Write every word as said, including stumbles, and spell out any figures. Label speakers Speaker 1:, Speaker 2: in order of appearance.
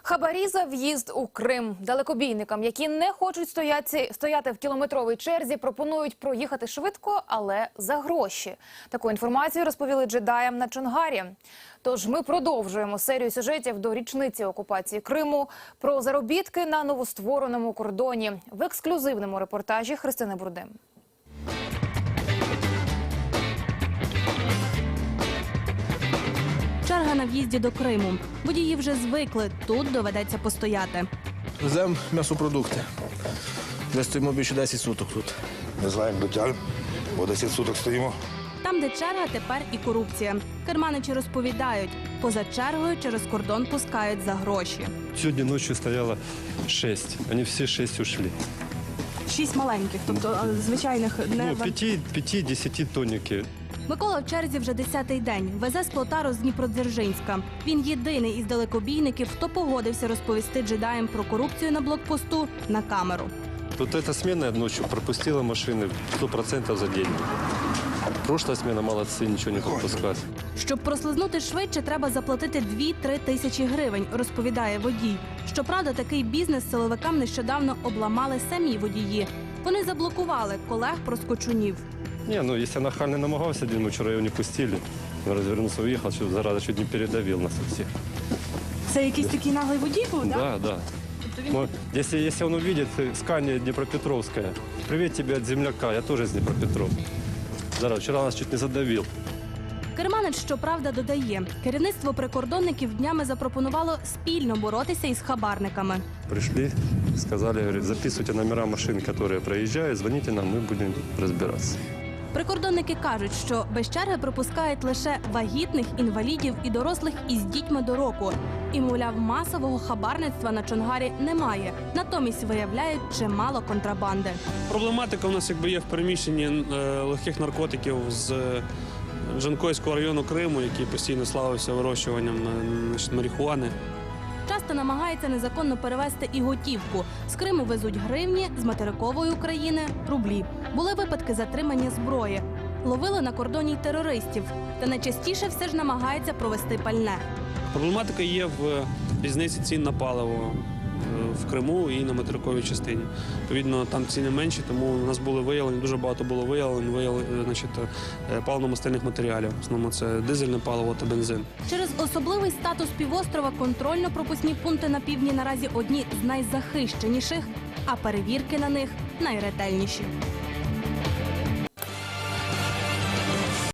Speaker 1: Хабарі за в'їзд у Крим. Далекобійникам, які не хочуть стояти, стояти в кілометровій черзі, пропонують проїхати швидко, але за гроші. Таку інформацію розповіли джедаям на Чонгарі. Тож ми продовжуємо серію сюжетів до річниці окупації Криму про заробітки на новоствореному кордоні в ексклюзивному репортажі Христини Бурдим.
Speaker 2: Черга на в'їзді до Криму. Водії вже звикли, тут доведеться постояти.
Speaker 3: Веземо м'ясопродукти. Де стоїмо більше десять суток тут.
Speaker 4: Не знаю, як дотягнемо, бо десять суток стоїмо.
Speaker 2: Там, де черга, тепер і корупція. Керманичі розповідають, поза чергою через кордон пускають за гроші.
Speaker 5: Сьогодні ночі стояло шість, вони всі шість ушли.
Speaker 2: Шість маленьких, тобто звичайних не...
Speaker 5: Ну, п'яти, п'яти, десяти тонники.
Speaker 2: Микола в черзі вже десятий день. Везе з Плотару з Дніпродзержинська. Він єдиний із далекобійників, хто погодився розповісти джедаям про корупцію на блокпосту на камеру.
Speaker 5: Вот эта смена ночью пропустила машины сто процентов за день. Прошлая смена молодцы, ничего не пропускать.
Speaker 2: Щоб прослизнути швидше, треба заплатити дві-три тисячі гривень, розповідає водій. Щоправда, такий бізнес силовикам нещодавно обламали самі водії. Вони заблокували колег-проскочунів.
Speaker 5: Не, ну если нахально намагался один, мы вчера его не пустили. Он развернулся, уехал, что зараза чуть не передавил нас всех.
Speaker 2: Це якийсь такий наглий водій був, так?
Speaker 5: Да, да. Ну, если, если он увидит Скания Днепропетровская, привет тебе от земляка, я тоже из Днепропетровки. Зараза, вчера нас чуть не задавил.
Speaker 2: Керманич, щоправда, додає, керівництво прикордонників днями запропонувало спільно боротися із хабарниками.
Speaker 5: Пришли, сказали, говорят, записывайте номера машин, которые проезжают, звоните нам, мы будем разбираться.
Speaker 2: Прикордонники кажуть, що без черги пропускають лише вагітних, інвалідів і дорослих із дітьми до року. І, мовляв, масового хабарництва на Чонгарі немає. Натомість виявляють чимало контрабанди.
Speaker 6: Проблематика у нас якби є в переміщенні е, легких наркотиків з Джанкойського району Криму, який постійно славився вирощуванням е, значить, марихуани.
Speaker 2: Часто намагається незаконно перевезти і готівку. З Криму везуть гривні, з материкової України – рублі. Були випадки затримання зброї. Ловили на кордоні й терористів. Та найчастіше все ж намагається провести пальне.
Speaker 6: Проблематика є в різниці цін на паливо в Криму і на материковій частині. Відповідно, там ціни менші, тому у нас були виявлені, дуже багато було виявлень, виявлень, значить, паливно-мастильних матеріалів. В основному це дизельне паливо та бензин.
Speaker 2: Через особливий статус півострова контрольно-пропускні пункти на півдні наразі одні з найзахищеніших, а перевірки на них найретельніші.